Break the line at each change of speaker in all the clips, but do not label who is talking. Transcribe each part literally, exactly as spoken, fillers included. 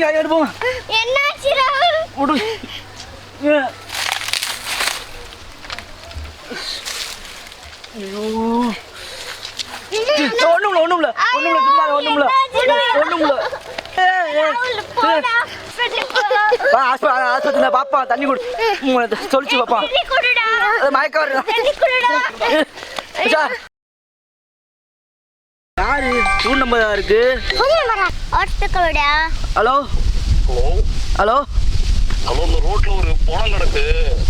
எடுப்போம்.
என்னாச்சு ராகுல்?
விடு. ஐயோ ஒண்ணுமில்ல ஒண்ணுமில்ல ஒண்ணுமில்ல சும்மா ஒண்ணுமில்ல ஒண்ணுமில்ல. ஆஸ்பத்திரியில பாப்பா தண்ணி குடு சொல்லிச்சு பாப்பா மயக்க வருது. யாரு ஃபோன் நம்பர் இருக்கு? ஹலோ ஹலோ
ஹலோ இந்த ரோட்ல ஒரு போனம் கிடக்கு.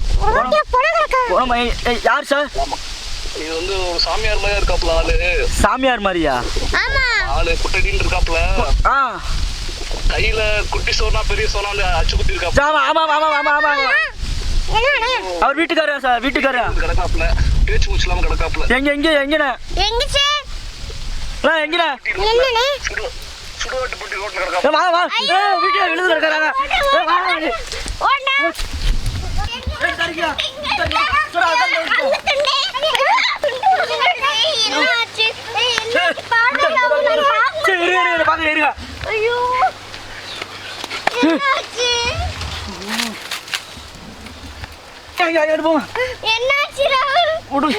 யார் சார்?
இது வந்து ஒரு சாமியார் மாதிரியா இருக்காப்ல ஆளு.
சாமியார் மாதிரியா?
ஆளு குட்டடின்னு இருக்காப்ல.
ஆ
கையில குட்டி சோனா பெரிய சோனா அச்சு குத்தி இருக்காப்ல.
ஆமா ஆமா ஆமா ஆமா ஆமா அவர் வீட்டுக்காரா சார்? வீட்டுக்காரா
கிடக்காப்ல. பேச்சு மூச்சு இல்லாம கிடக்காப்ல.
எங்க எங்க எங்கண்ணே?
எங்க சார்?
எங்கண்ணே?
என்னண்ணே?
சுடுவாட்டு போட்டி ரோட்ல கிடக்காப்ல.
வா வா வீட்டுல விழுந்து கிடக்குறாங்க.
ஓடா
எடுப்போம்.
என்னாச்சு ராகுல்?
விடு.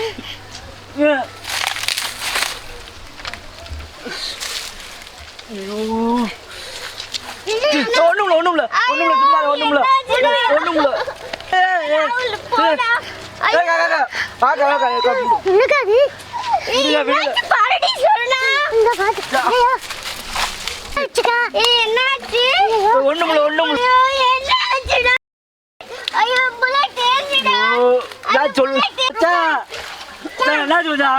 ஒண்ணுமில்ல ஒண்ணுமில்ல ஒண்ணுமில்ல சும்மா ஒண்ணுமில்ல ஒண்ணுமில்ல. ஒண்ணுமில்ல ஒண்ணுமில்ல சொல்லு என்ன சொல்லுதா?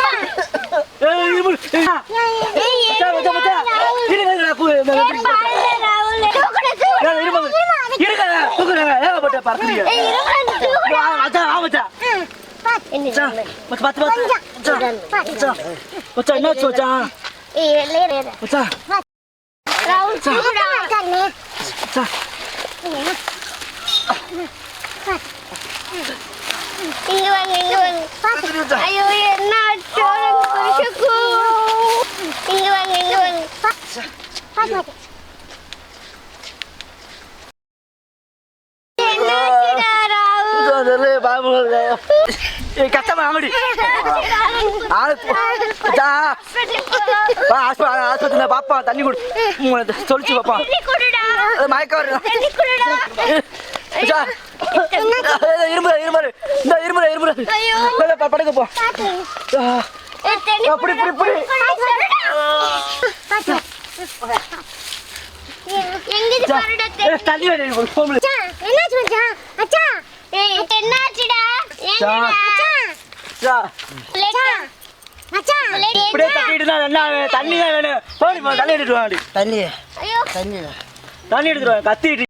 இங்க வாங்க இங்க வாங்க. ஐயோ என்ன ஆச்சு குருஷுக்கு? இங்க வாங்க இங்க வாங்க.
கஷ்டமா ஆமடி ஆஸ்பத்திரியில பாப்பா தண்ணி குடு சொல்லிச்சு பாப்பா மயக்க வருது. இருமுறை இருமுறை இந்த இருமுறை இருமுறை படுக்க போ. அப்படி இப்படி இப்படி தண்ணி தண்ணி தான் வேணும். தண்ணி எடுத்துட்டு வாடி. தண்ணி தண்ணி தண்ணி எடுத்துட்டு கத்திட்டு